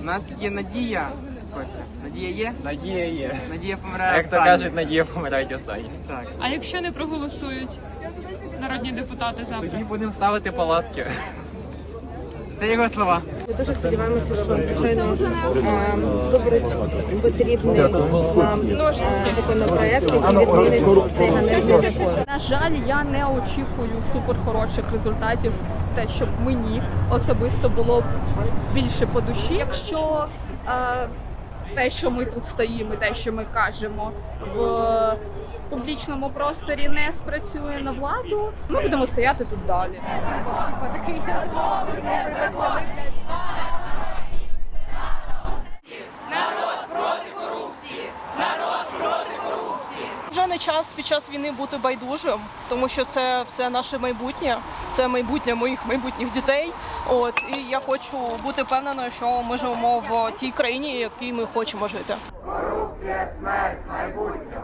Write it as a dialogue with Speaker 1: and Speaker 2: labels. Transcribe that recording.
Speaker 1: нас є надія, Костя. Надія є?
Speaker 2: Надія є.
Speaker 1: Надія помирає
Speaker 2: Як то
Speaker 1: останньою.
Speaker 2: кажуть, надія помирають останні.
Speaker 1: Так.
Speaker 3: А якщо не проголосують народні депутати завтра?
Speaker 2: Тоді будемо ставити палатки.
Speaker 1: Це його слова.
Speaker 4: Ми дуже сподіваємося, що звичайно виберуть потрібний нам законопроект, який відмінить цей ганебний закон.
Speaker 5: На жаль, я не очікую суперхороших результатів, те, щоб мені особисто було більше по душі. Якщо те, що ми тут стоїмо, те, що ми кажемо в публічному просторі, не спрацює на владу, ми будемо стояти тут далі.
Speaker 6: Вже не час під час війни бути байдужим, тому що це все наше майбутнє, це майбутнє моїх майбутніх дітей. І я хочу бути впевненою, що ми живемо в тій країні, в якій ми хочемо жити.
Speaker 7: Корупція, смерть, майбутнє.